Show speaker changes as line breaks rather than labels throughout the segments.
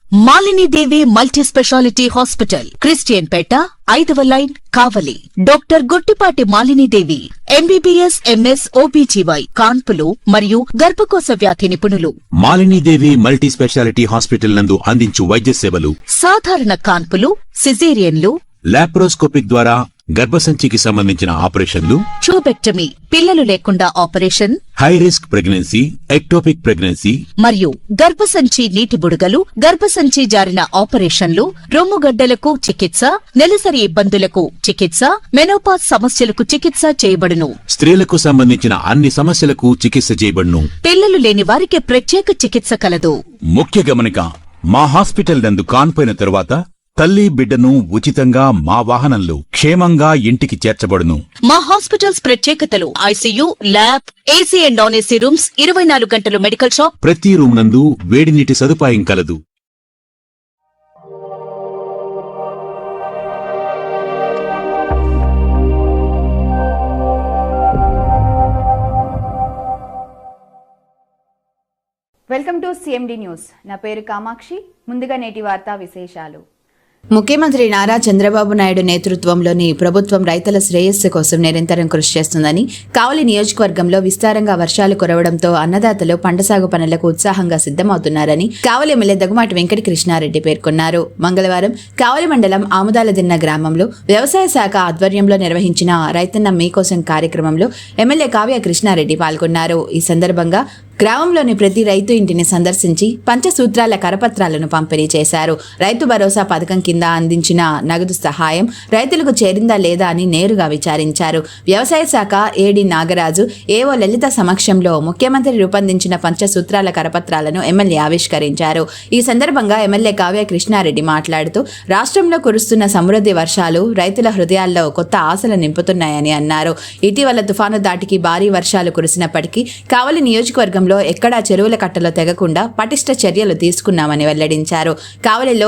Malini Devi multi speciality hospital, Christian పేట, 5వ line, Kavali. Doctor Guttipati Malinidevi, MBBS, MS, OBGY, కాన్పులు మరియు గర్భకోశ వ్యాధి నిపుణులు.
మాలినీదేవి మల్టీ స్పెషాలిటీ హాస్పిటల్ నందు అందించు వైద్య సేవలు:
సాధారణ కాన్పులు, సిజేరియన్లు,
లాప్రోస్కోపిక్ ద్వారా గర్భసంచికి సంబంధించిన ఆపరేషన్లు,
ట్యూబెక్టమీ, పిల్లలు లేకుండా operation,
high risk pregnancy, ectopic pregnancy
మరియు గర్భసంచి నీటి బుడగలు, గర్భసంచి జారిన ఆపరేషన్లు, రొమ్ముగడ్డలకు చికిత్స, నెలసరి ఇబ్బందులకు చికిత్స, మెనోపాజ్ సమస్యలకు చికిత్స చేయబడును.
స్త్రీలకు సంబంధించిన అన్ని సమస్యలకు చికిత్స చేయబడును.
పిల్లలు లేని వారికి ప్రత్యేక చికిత్స కలదు.
ముఖ్య గమనిక: మా హాస్పిటల్ నందు కాన్పోయిన తరువాత తల్లి బిడ్డను ఉచితంగా మా వాహనంలో క్షేమంగా ఇంటికి చేర్చబడును.
మా హాస్పిటల్స్ ప్రత్యేకతలు: ICU, lab, AC and non AC rooms, 24 గంటలు మెడికల్ షాప్,
ప్రతి రూమ్ నందు వేడి నీటి సదుపాయం కలదు.
Welcome to CMD news. నా పేరు కామాక్షి. ముందుగా నేటి వార్తా విశేషాలు.
ముఖ్యమంత్రి నారా చంద్రబాబు నాయుడు నేతృత్వంలోని ప్రభుత్వం రైతుల శ్రేయస్సు కోసం నిరంతరం కృషి చేస్తుందని, కావలి నియోజకవర్గంలో విస్తారంగా వర్షాలు కురవడంతో అన్నదాతలు పంట సాగు పనులకు ఉత్సాహంగా సిద్ధమవుతున్నారని కావలి ఎమ్మెల్యే దగ్గుమాటి వెంకట కృష్ణారెడ్డి పేర్కొన్నారు. మంగళవారం కావలి మండలం ఆముదాలదిన్న గ్రామంలో వ్యవసాయ శాఖ ఆధ్వర్యంలో నిర్వహించిన రైతన్న మీకోసం కార్యక్రమంలో ఎమ్మెల్యే కావ్య కృష్ణారెడ్డి పాల్గొన్నారు. ఈ సందర్భంగా గ్రామంలోని ప్రతి రైతు ఇంటిని సందర్శించి పంచసూత్రాల కరపత్రాలను పంపిణీ చేశారు. రైతు భరోసా పథకం కింద అందించిన నగదు సహాయం రైతులకు చేరిందా లేదా అని నేరుగా విచారించారు. వ్యవసాయ శాఖ ఏడీ నాగరాజు, ఏవో లలిత సమక్షంలో ముఖ్యమంత్రి రూపొందించిన పంచసూత్రాల కరపత్రాలను ఎమ్మెల్యే ఆవిష్కరించారు. ఈ సందర్భంగా ఎమ్మెల్యే కావ్య కృష్ణారెడ్డి మాట్లాడుతూ, రాష్ట్రంలో కురుస్తున్న సమృద్ధి వర్షాలు రైతుల హృదయాల్లో కొత్త ఆశలు నింపుతున్నాయని అన్నారు. ఇటీవల తుఫాను దాటికి భారీ వర్షాలు కురిసినప్పటికీ కావలి నియోజకవర్గంలో ఎక్కడా చెరువుల కట్టలో తెగకుండా పటిష్ట చర్యలు తీసుకున్నామని వెల్లడించారు. కావలిలో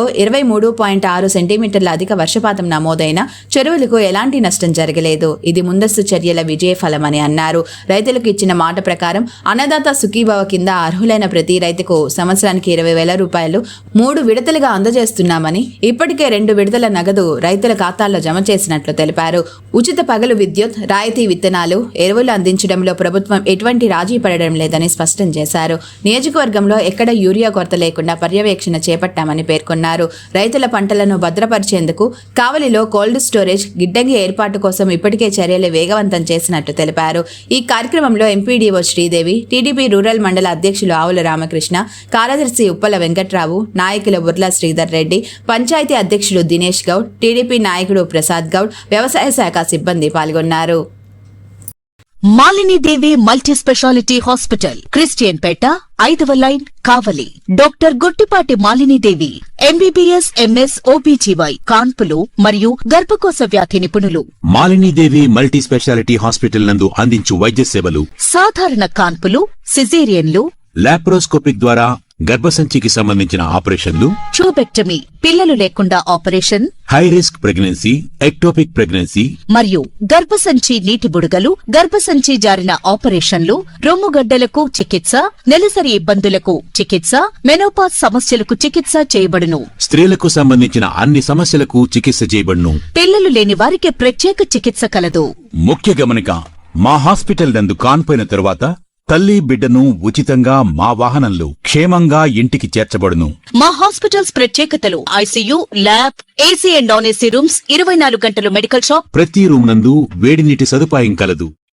23.6 సెంటీమీటర్ల అధిక వర్షపాతం నమోదైన చెరువులకు ఎలాంటి నష్టం జరగలేదు. ఇది ముందస్తు చర్యల విజయ ఫలమని అన్నారు. రైతులకు ఇచ్చిన మాట ప్రకారం అన్నదాత సుఖీభవ కింద అర్హులైన ప్రతి రైతుకు సంవత్సరానికి 20,000 రూపాయలు 3 విడతలుగా అందజేస్తున్నామని, ఇప్పటికే 2 విడతల నగదు రైతుల ఖాతాల్లో జమ చేసినట్లు తెలిపారు. ఉచిత పగలు విద్యుత్, రాయితీ విత్తనాలు, ఎరువులు అందించడంలో ప్రభుత్వం ఎటువంటి రాజీ పడడం లేదని స్పష్టం చేశారు. నియోజకవర్గంలో ఎక్కడ యూరియా కొరత లేకుండా పర్యవేక్షణ చేపట్టామని పేర్కొన్నారు. రైతుల పంటలను భద్రపరిచేందుకు కావలిలో కోల్డ్ స్టోరేజ్, గిడ్డంగి ఏర్పాటు కోసం ఇప్పటికే చర్యలు వేగవంతం చేసినట్టు తెలిపారు. ఈ కార్యక్రమంలో ఎంపీడీఓ శ్రీదేవి, టీడీపీ రూరల్ మండల అధ్యక్షులు ఆవుల రామకృష్ణ, కార్యదర్శి ఉప్పల వెంకట్రావు, నాయకులు బుర్లా శ్రీధర్ రెడ్డి, పంచాయతీ అధ్యక్షులు దినేష్ గౌడ్, టీడీపీ నాయకుడు ప్రసాద్ గౌడ్, వ్యవసాయ శాఖ సిబ్బంది పాల్గొన్నారు.
Malini Devi multi speciality hospital, Christian పేట, 5వ line, Kavali. Doctor Guttipati Malinidevi, MBBS, MS, OBGY, కాన్పులు మరియు గర్భకోశ వ్యాధి నిపుణులు.
మాలినీదేవి మల్టీ స్పెషాలిటీ హాస్పిటల్ నందు అందించు వైద్య సేవలు:
సాధారణ కాన్పులు, సిజేరియన్లు,
లాప్రోస్కోపిక్ ద్వారా గర్భసంచికి సంబంధించిన ఆపరేషన్లు,
ట్యూబెక్టమీ, పిల్లలు లేకుండా operation,
high risk pregnancy, ectopic pregnancy
మరియు గర్భసంచి నీటి బుడగలు, గర్భసంచి జారిన ఆపరేషన్లు, రొమ్ముగడ్డలకు చికిత్స, నెలసరి ఇబ్బందులకు చికిత్స, మెనోపాజ్ సమస్యలకు చికిత్స చేయబడును.
స్త్రీలకు సంబంధించిన అన్ని సమస్యలకు చికిత్స చేయబడును.
పిల్లలు లేని వారికి ప్రత్యేక చికిత్స కలదు.
ముఖ్య గమనిక: మా హాస్పిటల్ నందు కాన్పోయిన తరువాత తల్లి బిడ్డను ఉచితంగా మా వాహనంలో క్షేమంగా ఇంటికి చేర్చబడును.
మా హాస్పిటల్స్ ప్రత్యేకతలు: ICU, lab, AC and non AC rooms, 24 గంటలు మెడికల్ షాప్,
ప్రతి రూమ్ నందు వేడి నీటి సదుపాయం కలదు.